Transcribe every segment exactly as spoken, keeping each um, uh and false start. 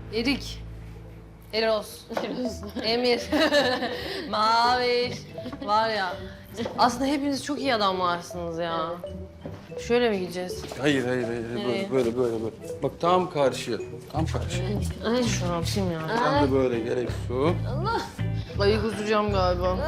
Erik. Eros. Emir. Maviş. Var ya. Aslında hepiniz çok iyi adamlarsınız ya. Şöyle mi gideceğiz? Hayır, hayır, hayır. Böyle, böyle, böyle, böyle. Bak tam karşıya. Tam karşıya. Ay şu an yapayım ya. Sen de böyle gerek su. Ayı kusacağım galiba.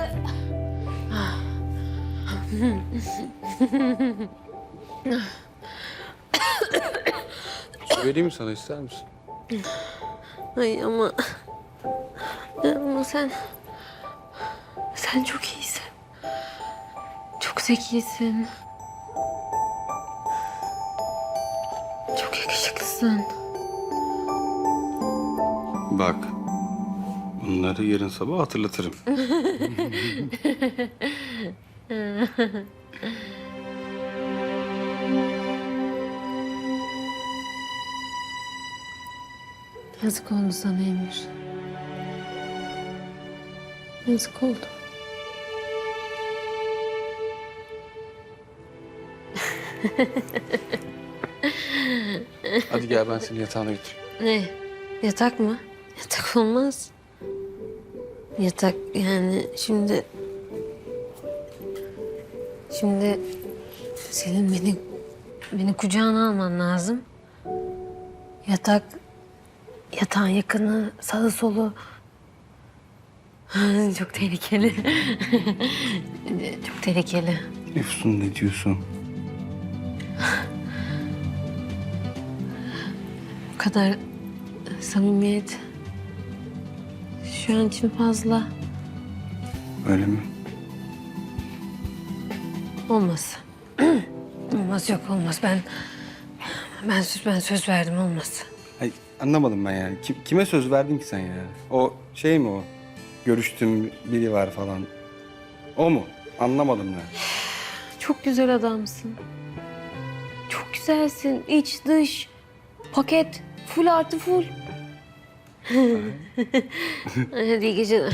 Su vereyim mi sana, ister misin? Ay ama... Ama sen... Sen çok iyisin. Çok zekisin. Çok yakışıklısın. Bak. Bunları yarın sabah hatırlatırım. Yazık oldu sana Emir. Yazık oldu. Hadi gel, ben seni yatağına götüreyim. Ne? Yatak mı? Yatak olmaz. Yatak yani şimdi... Şimdi senin beni beni kucağına alman lazım. Yatak, yatağın yakını, sağı solu. Çok tehlikeli. Çok tehlikeli. Efsun, ne diyorsun? Bu kadar samimiyet şu an için fazla. Öyle mi? Olmaz. Olmaz, yok olmaz. Ben ben söz ben söz verdim, olmaz. Ay, anlamadım ben yani. Kim, kime söz verdin ki sen ya? O şey mi o? Görüştüğüm biri var falan. O mu? Anlamadım ben. Çok güzel adamsın. Çok güzelsin. İç dış paket full artı full. Hadi iyi geceler.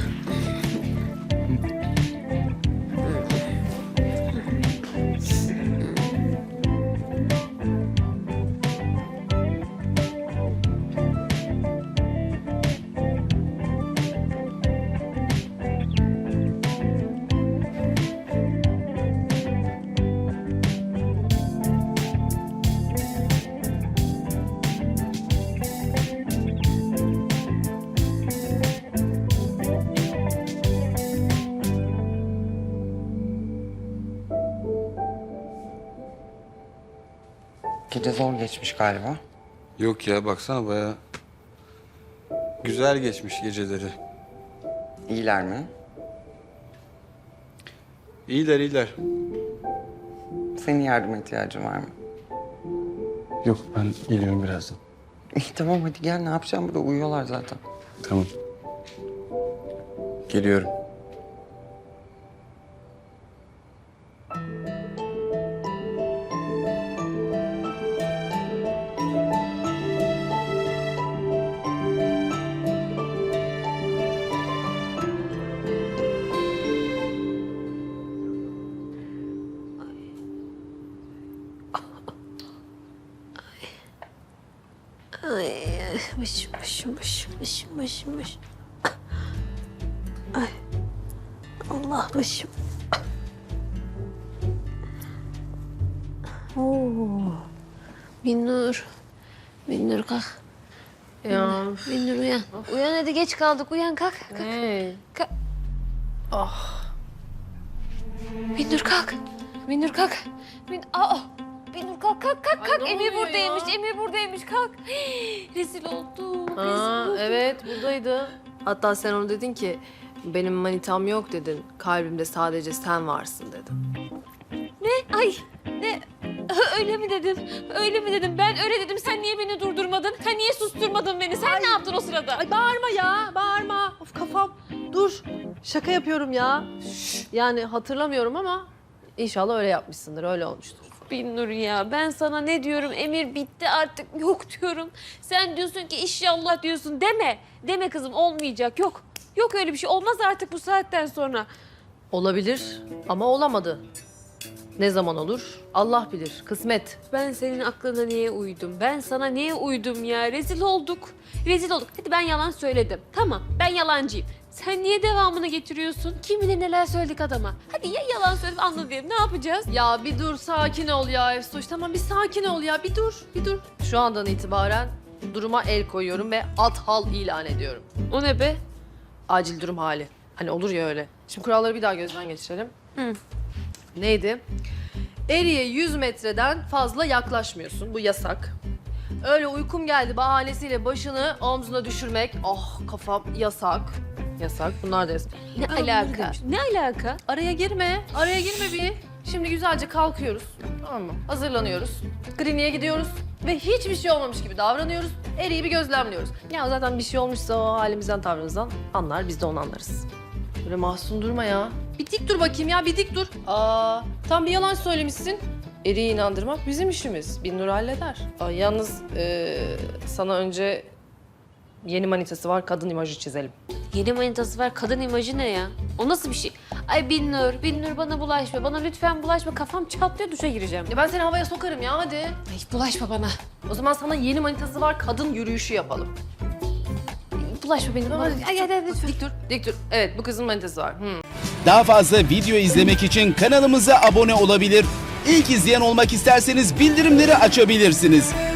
Gece zor geçmiş galiba. Yok ya, baksana bayağı güzel geçmiş geceleri. İyiler mi? İyiler, iyiler. Senin yardıma ihtiyacın var mı? Yok, ben geliyorum birazdan. İyi tamam hadi gel, ne yapacağım burada, uyuyorlar zaten. Tamam. Geliyorum. Ay, ay, başım, başım, başım, başım, başım, başım. Ay, Allah başım. Oo, Binnur, Binnur kalk. Ya. Binnur uyan. Uyan hadi, geç kaldık, uyan kalk. kalk. Hey. kalk. Ah. Binnur kalk. Binnur kalk. Bin Aa. Binnur kalk kalk kalk Ay, kalk. ne Emir oluyor buradaymış. ya? Emir buradaymış. Kalk. Rezil oldum. Rezil Aa, oldum. evet buradaydı. Hatta sen onu dedin ki benim manitam yok dedin. Kalbimde sadece sen varsın dedin. Ne? Ay ne? Öyle mi dedim? Öyle mi dedim? Ben öyle dedim. Sen niye beni durdurmadın? Sen niye susturmadın beni? Sen ne yaptın o sırada? Ay bağırma ya, bağırma. Of kafam. Dur. Şaka yapıyorum ya. Yani hatırlamıyorum ama inşallah öyle yapmışsındır, öyle olmuştur. Binnur ya, ben sana ne diyorum? Emir bitti artık, yok diyorum. Sen diyorsun ki inşallah diyorsun. Deme. Deme kızım, olmayacak. Yok. Yok öyle bir şey. Olmaz artık bu saatten sonra. Olabilir ama olamadı. Ne zaman olur? Allah bilir. Kısmet. Ben senin aklına niye uydum? Ben sana niye uydum ya? Rezil olduk. Rezil olduk. Hadi ben yalan söyledim. Tamam, ben yalancıyım. Sen niye devamını getiriyorsun? Kim bilir neler söyledik adama. Hadi ya yalan söyledim anla diyelim. Ne yapacağız? Ya bir dur, sakin ol ya Efsoş. Tamam bir sakin ol ya. Bir dur, bir dur. Şu andan itibaren duruma el koyuyorum ve at hal ilan ediyorum. O ne be? Acil durum hali. Hani olur ya öyle. Şimdi kuralları bir daha gözden geçirelim. Hı. Neydi? Eriye yüz metreden fazla yaklaşmıyorsun. Bu yasak. Öyle uykum geldi bahanesiyle başını omzuna düşürmek. Oh kafam yasak. Yasak. Bunlar da yasak. Ne Ben bunları alaka? demiştim. Ne alaka? Araya girme. Araya girme bir. Şimdi güzelce kalkıyoruz. Tamam mı? Hazırlanıyoruz. Kliniğe gidiyoruz. Ve hiçbir şey olmamış gibi davranıyoruz. Eriyi bir gözlemliyoruz. Ya zaten bir şey olmuşsa o halimizden tavrımızdan anlar. Biz de onu anlarız. Böyle mahzun durma ya. Bir dik dur bakayım ya, bir dik dur. Aa, tam bir yalan söylemişsin. Eri'yi inandırmak bizim işimiz. Binnur halleder. Aa, yalnız ee, sana önce yeni manitası var, kadın imajı çizelim. Yeni manitası var. Kadın imajı ne ya? O nasıl bir şey? Ay Binnur, Binnur bana bulaşma. Bana lütfen bulaşma. Kafam çatlıyor, duşa gireceğim. Ya ben seni havaya sokarım ya, hadi. Ay bulaşma bana. O zaman sana yeni manitası var, kadın yürüyüşü yapalım. Bulaşma benim. Ay, ay, ay, lütfen. Dik dur, dik dur. Evet, bu kızın manitası var. Hmm. Daha fazla video izlemek için kanalımıza abone olabilir. İlk izleyen olmak isterseniz bildirimleri açabilirsiniz.